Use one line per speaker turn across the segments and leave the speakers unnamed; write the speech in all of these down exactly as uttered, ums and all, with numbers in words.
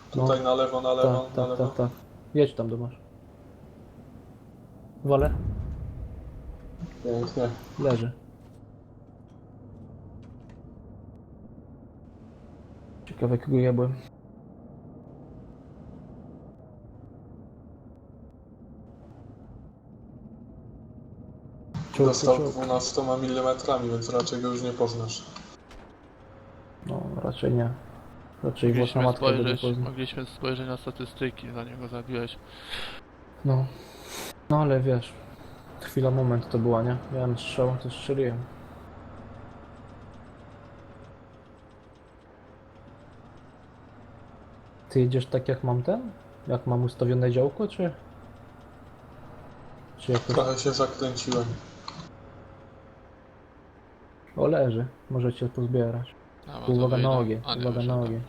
Tutaj
No.
na lewo, na lewo,
Tak,
na
tak,
lewo.
tak, tak. Jedź tam, Domasz. Wolę?
Pięknie.
Leży. Ciekawe, kogo jebłem. Czołg,
Dostał
czołg.
dwunastoma milimetrami, więc raczej go już nie poznasz.
No, raczej nie. Raczej własna
Mogliśmy
matka go nie
spojrzeć,
pozna.
mogliśmy spojrzeć na statystyki, zanim go zabiłeś.
No. No ale wiesz, chwila, moment to była, nie? Miałem strzał, to strzeliłem. Ty jedziesz tak jak mam ten? Jak mam ustawione działko, czy? Czy jakoś...
Trochę się zakręciłem.
O, leży. Możecie pozbierać.
A,
Tu uwaga
wyjdę.
na ogień,
A, nie,
uwaga na
wyszedłem.
ogień.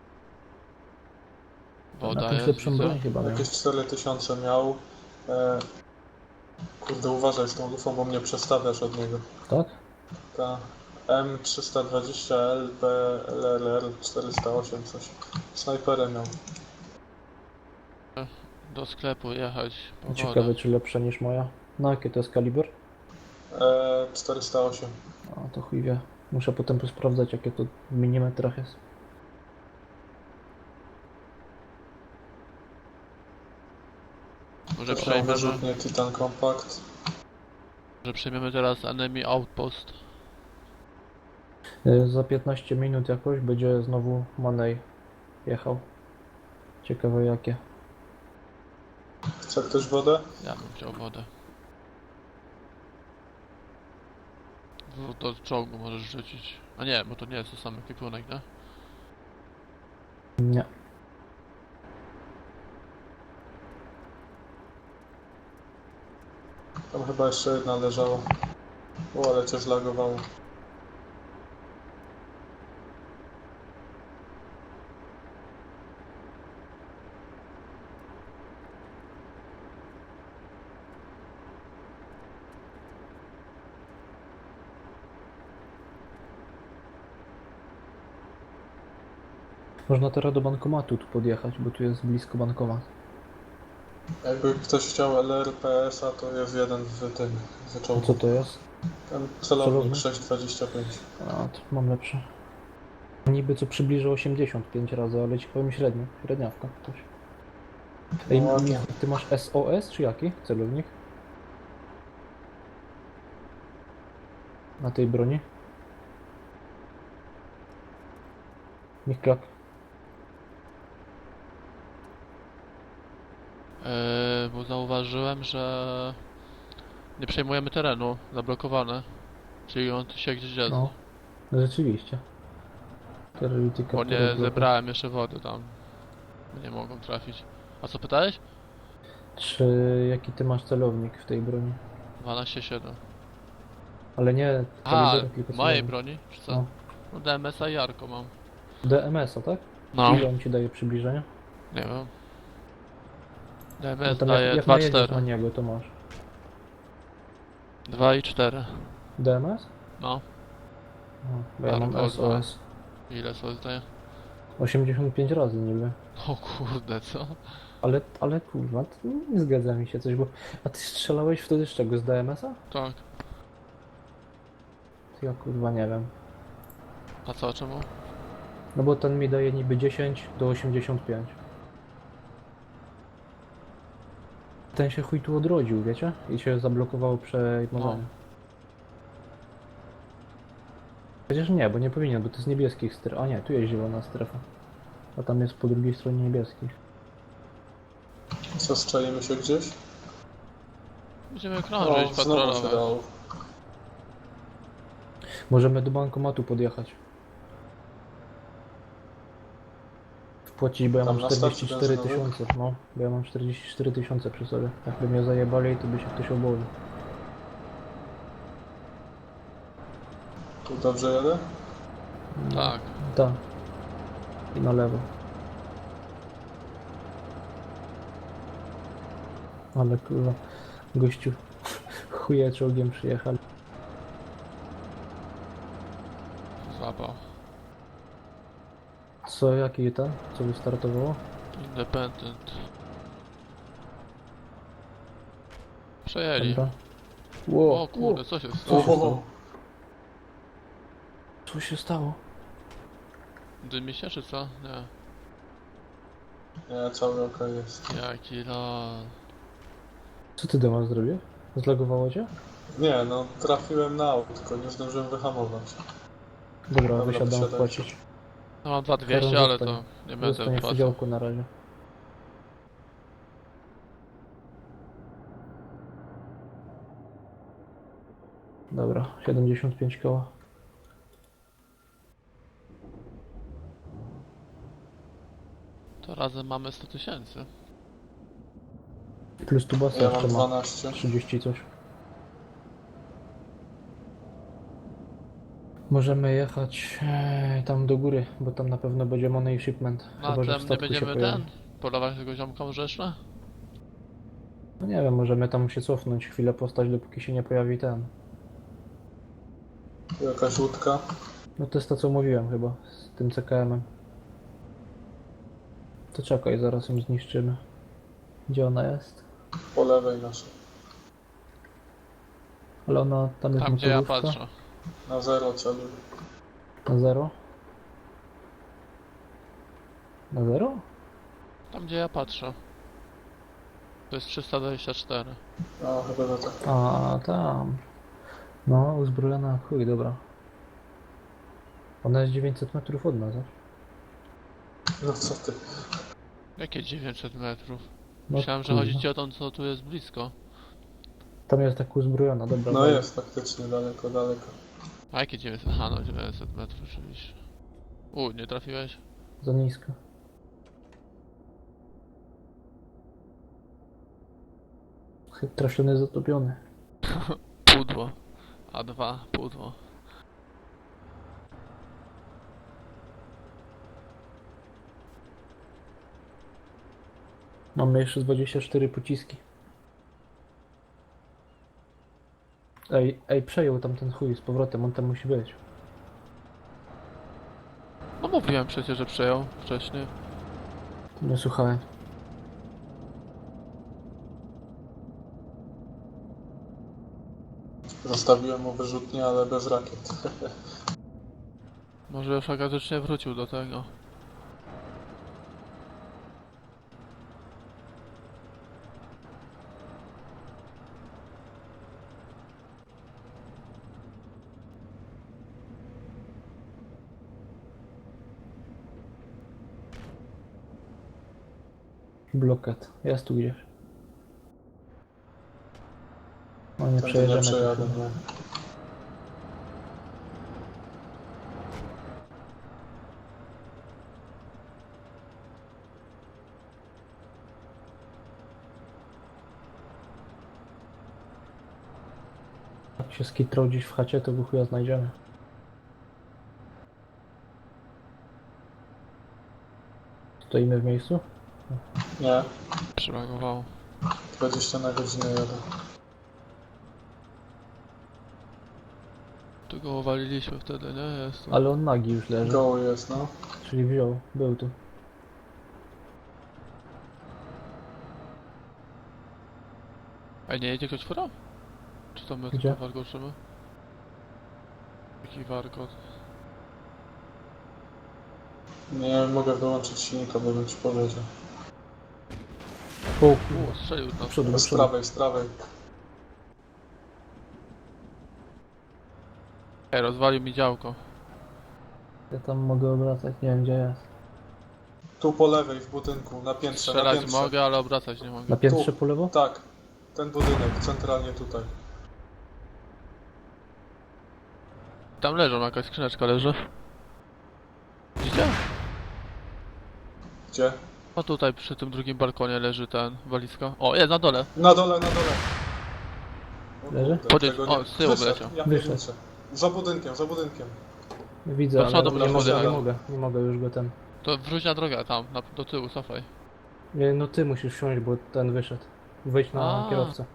Woda
Na tym
jest,
lepszą
widzę.
broń chyba miał.
Jakieś cztery tysiące miał. E... Kurde, uważaj z tą lufą, bo mnie przestawiasz od niego.
Tak?
Ta M trzysta dwadzieścia L B L R R czterysta osiem coś. Snajperem miał.
Do sklepu jechać po wodę.
Ciekawe, czy lepsza niż moja. No, jakie to jest kaliber?
E... czterysta osiem.
A to chuj wie. Muszę potem posprawdzać, jakie to w milimetrach jest.
Może
To są
przejmiemy,
wyrzutnie Titan Compact.
może przejmiemy teraz Enemy Outpost.
Y, Za piętnaście minut jakoś będzie znowu Manej jechał. Ciekawe jakie.
Chce ktoś wodę?
Ja bym chciał wodę. W- Do czołgu możesz rzucić. A nie, bo to nie jest to sam ekwipunek, nie?
Nie.
Tam chyba jeszcze jedna leżała. O, ale cię zlagowało.
Można teraz do bankomatu tu podjechać, bo tu jest blisko bankomat.
Jakby ktoś chciał L R P S a, to jest jeden w tym
A
wyczołku.
co to jest?
Ten celownik
Celownik?
sześć dwadzieścia pięć.
A, to mam lepsze. Niby co przybliża osiemdziesiąt pięć razy, ale ci powiem średnio. Średniawka. Coś. Ej,
No ładnie.
Michał, ty masz S O S czy jaki celownik? Na tej broni? Michlak.
Yy, bo zauważyłem, że nie przejmujemy terenu, zablokowane. Czyli on tu się gdzieś jest.
No, rzeczywiście. Terrorytyka.
Bo nie zebrałem jeszcze wody tam. Nie mogą trafić. A co pytałeś?
Czy jaki ty masz celownik w tej broni?
dwanaście siedem.
Ale nie
A,
kaliber, tylko
mojej
celownik.
broni? Czy co?
No.
No D M S a i Jarko mam.
D M S a, tak?
No.
Ile on ci daje przybliżenia?
Nie wiem. D M
No
S
tam jak,
daje
jak
dwa
najedziesz na
cztery.
niego, to masz.
dwa i cztery.
D M S?
No.
No, bo ja mam
Albo
S O S.
Ile sobie zdaje?
osiemdziesiąt pięć razy niby.
O kurde, co?
Ale, ale kurwa, to nie zgadza mi się coś, bo... A ty strzelałeś wtedy z czego? Z D M S a?
Tak.
To ja kurwa nie wiem.
A co, czemu?
No bo ten mi daje niby dziesięć do osiemdziesiąt pięć. Ten się chuj tu odrodził, wiecie? I się zablokowało przejmowanie.
No.
Chociaż nie, bo nie powinien, bo to jest niebieskich stref. A nie, tu jest zielona strefa. A tam jest po drugiej stronie niebieskich.
Co, strzelimy się gdzieś?
Będziemy
O,
krążyć,
znowu się
patrolować.
dało.
Możemy do bankomatu podjechać. Wpłacić, bo ja
Tam
mam
na stacji
czterdzieści cztery
benzynowej?
tysiące. No, bo ja mam czterdzieści cztery tysiące przy sobie. Jakby mnie zajebali, to by się ktoś obawił.
Tu dobrze jadę?
Tak.
Tak. I na lewo. Ale kurwa, gościu chuje czołgiem przyjechali.
Złapał.
Co, jaki ten? Co wystartowało?
Independent. Przejęli.
Dobra. Ło,
O kurde, co się
Co
stało?
się stało? Co się stało?
Dymi się czy co? Nie.
Nie, cały ok jest.
Jaki lol.
Co ty Dema zrobił? Zlagowało cię?
Nie, no trafiłem na autko, nie zdążyłem wyhamować.
Dobra,
Dobra,
wysiadam
wysiadajcie.
płacić.
No mam dwa dwieście,
Karen
ale
zostań.
to nie będę
Zostanie w
płacił.
działku na razie. Dobra, siedemdziesiąt pięć koła.
To razem mamy sto tysięcy.
Plus tu basa
Ja
jeszcze
mam
ma
dwanaście.
trzydzieści coś. Możemy jechać e, tam do góry, bo tam na pewno będzie money shipment.
No a
Chyba, że w
tam nie
statku się
będziemy
pojawi.
ten? Polować tego ziomka może jeszcze?
No nie wiem, możemy tam się cofnąć, chwilę postać, dopóki się nie pojawi ten.
Tu jakaś łódka.
No to jest to, co mówiłem chyba, z tym C K M-em. To czekaj, zaraz ją zniszczymy. Gdzie ona jest?
Po lewej naszej.
Ale ona tam jest
Tam gdzie ja
motorówka.
patrzę.
Na zero celuję.
Na zero? Na zero?
Tam gdzie ja patrzę. To jest trzysta dwadzieścia cztery.
No, chyba że tak.
A, tam. No, uzbrojona, chuj, dobra. Ona jest dziewięćset metrów od nas, a?
No co ty?
Jakie dziewięćset metrów?
No,
Myślałem, że
kurwa.
chodzi ci o tą, co tu jest blisko.
Tam jest tak uzbrojona, dobra.
No
dobra.
jest faktycznie daleko, daleko.
A jakie dziewięćset? Aha, no dziewięćset metrów oczywiście. U, nie trafiłeś?
Za nisko. Trafiony, zatopiony.
Pudło. A dwa, pudło.
Mamy jeszcze dwadzieścia cztery pociski. Ej, ej, przejął tam ten chuj z powrotem, on tam musi być.
No mówiłem przecież, że przejął wcześniej.
Nie słuchałem.
Zostawiłem mu wyrzutnię, ale bez rakiet.
Może już agatycznie wrócił do tego.
Blokat. Jest tu gdzieś. O, nie
Tędy nie
przejedziemy.
przejadę,
tu.
nie.
Jak się skitrał gdzieś w chacie, to go chuja znajdziemy. Stoimy w miejscu?
Nie,
Przylagowało.
dwadzieścia na godzinę jadę.
Tu go uwaliliśmy wtedy, nie? Jest to.
Ale on nagi już leży.
Goły jest, no.
Czyli wziął, był tu.
A nie jedzie ktoś fura? Czy to my
Gdzie?
tylko warkoczymy? Jaki warkot?
Nie mogę wyłączyć silnika, bo bym ci powiedział.
O kurwa,
U, strzelił
do
nas.
przodu, do
Z
przodu.
prawej, z prawej.
Ej, rozwalił mi działko.
Ja tam mogę obracać, nie wiem gdzie jest.
Tu po lewej w budynku, na piętrze, na
Strzelać
piętrze.
mogę, ale obracać nie
Na
mogę.
piętrze
Tu.
po lewo?
Tak, ten budynek, centralnie tutaj.
Tam leżą, jakaś skrzyneczka leży. Widzicie?
Gdzie?
A tutaj przy tym drugim balkonie leży ten walizka. O, jest na dole.
Na dole, na dole. O
Leży?
kurde,
Podejdź-
tego
o,
nie-
z tyłu
Wyszedł,
wyleciał.
Ja
Wyszedł.
pierniczę. Za budynkiem, za budynkiem.
Widzę,
Do
ale
przodu
nie
będziesz
mogę, nie
podjechał.
mogę, nie mogę już go ten.
To wróć na drogę tam, na, do tyłu, cofaj.
Nie, no ty musisz wsiąść, bo ten wyszedł. Wejdź na
A.
kierowcę.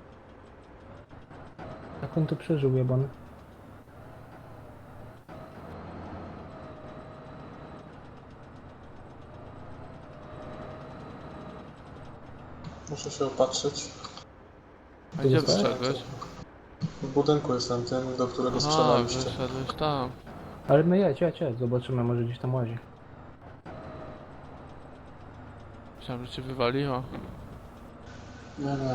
Jak on to przeżył, jebany?
Muszę się opatrzyć.
A gdzie
zostałeś?
wyszedłeś?
W budynku jestem tym, do którego
A,
strzelaliście.
wyszedłeś tam.
Ale my jedź, jedź, jedź, zobaczymy, może gdzieś tam łazi.
Myślałem, że cię wywaliło.
Nie, nie.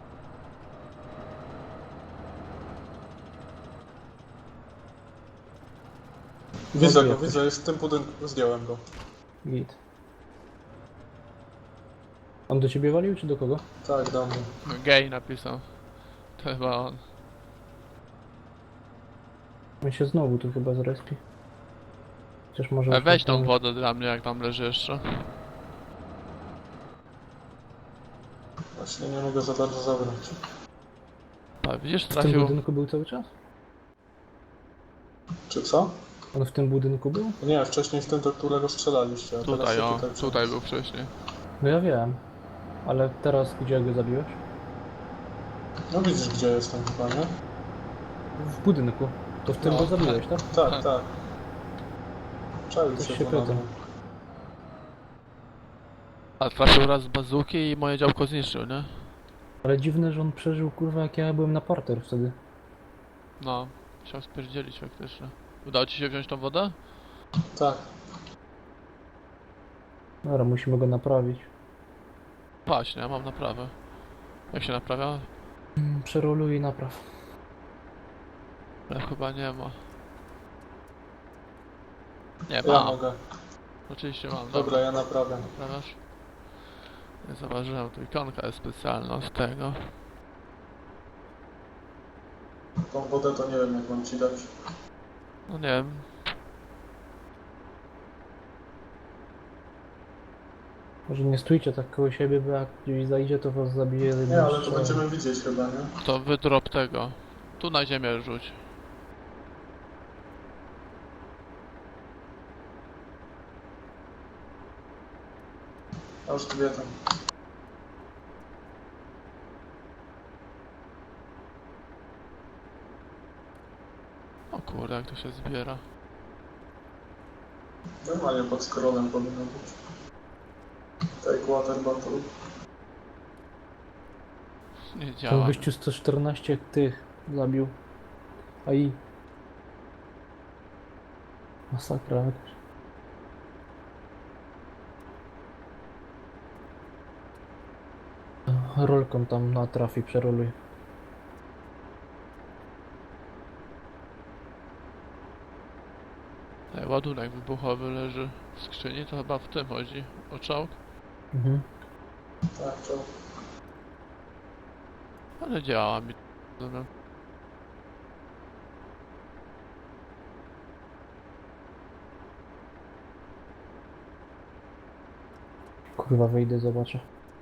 Widzę go,
jakoś.
widzę, jest w tym budynku, zdjąłem go.
Git. On do ciebie walił, czy do kogo?
Tak, do mnie.
No, gej napisał. To chyba on.
On się znowu tu chyba zrespi. Chociaż może...
A
już
weź
tam-
tą wodę dla mnie, jak tam leży jeszcze.
Właśnie nie mogę za bardzo zabrać.
A, widzisz,
W tym
trafił.
budynku był cały czas?
Czy co?
On w tym budynku był?
Nie, wcześniej w tym, do którego strzelaliście, a teraz
Tutaj,
się
o,
tutaj,
tutaj był wcześniej.
No ja wiem. Ale teraz gdzie go zabiłeś?
No widzisz, gdzie jestem chyba, nie?
W budynku. To w tym
No.
go zabiłeś, tak?
Tak, tak. Czaił
To
się
się
to na
pytam.
mnie.
A trafił raz z bazuki i moje działko zniszczył, nie?
Ale dziwne, że on przeżył, kurwa, jak ja byłem na parter wtedy.
No, chciał spierdzielić faktycznie. Udało ci się wziąć tą wodę?
Tak.
Dobra, musimy go naprawić.
Właśnie, ja mam naprawę. Jak się naprawia?
Mm, Przeroluj i napraw.
Ale chyba nie ma. Nie,
Ja
mam.
mogę.
Oczywiście mam.
Dobra, ja naprawiam.
Naprawiasz? Nie zauważyłem, tu ikonka jest specjalna z tego.
Tą wodę to nie wiem, jak mam ci dać.
No nie wiem.
Może nie stójcie tak koło siebie, bo jak gdzieś zajdzie, to was zabije jednym
Nie, ale to
strzałem.
będziemy widzieć chyba, nie?
To wydrop tego. Tu na ziemię rzuć.
Ja już tu wiedzę.
O kurde, jak to się zbiera.
Normalnie pod scrollem powinno być. Take water bottle.
Nie
Ten
działa.
gościu sto czternaście tych zabił. A i... Masakra jakaś. Rolką tam na trafi przeroluj.
Ej, ładunek wybuchowy leży w skrzyni, to chyba w tym chodzi. O czołg?
Mhm.
Tak, to...
Ale działa mi. Dobra.
Kurwa, wejdę, zobaczę.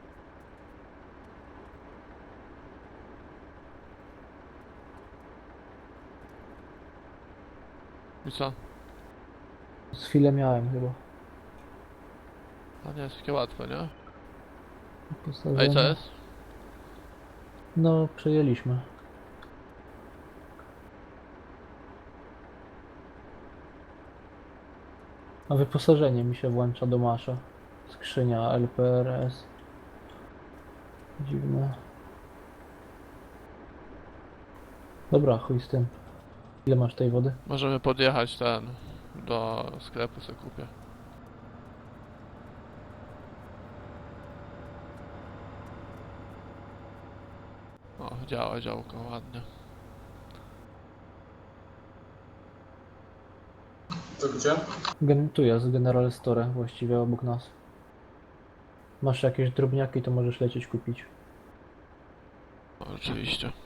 I co?
Z chwilę miałem chyba.
A nie jest takie łatwe, nie?
Postawione.
Ej, co jest?
No, przejęliśmy. A wyposażenie mi się włącza do masza. Skrzynia L P R S. Dziwne. Dobra, chuj z tym. Ile masz tej wody?
Możemy podjechać ten do sklepu, sobie kupię. O, działa działko, ładnie.
To gdzie?
Gen tu jest General Store, właściwie obok nas. Masz jakieś drobniaki, to możesz lecieć kupić.
O, oczywiście.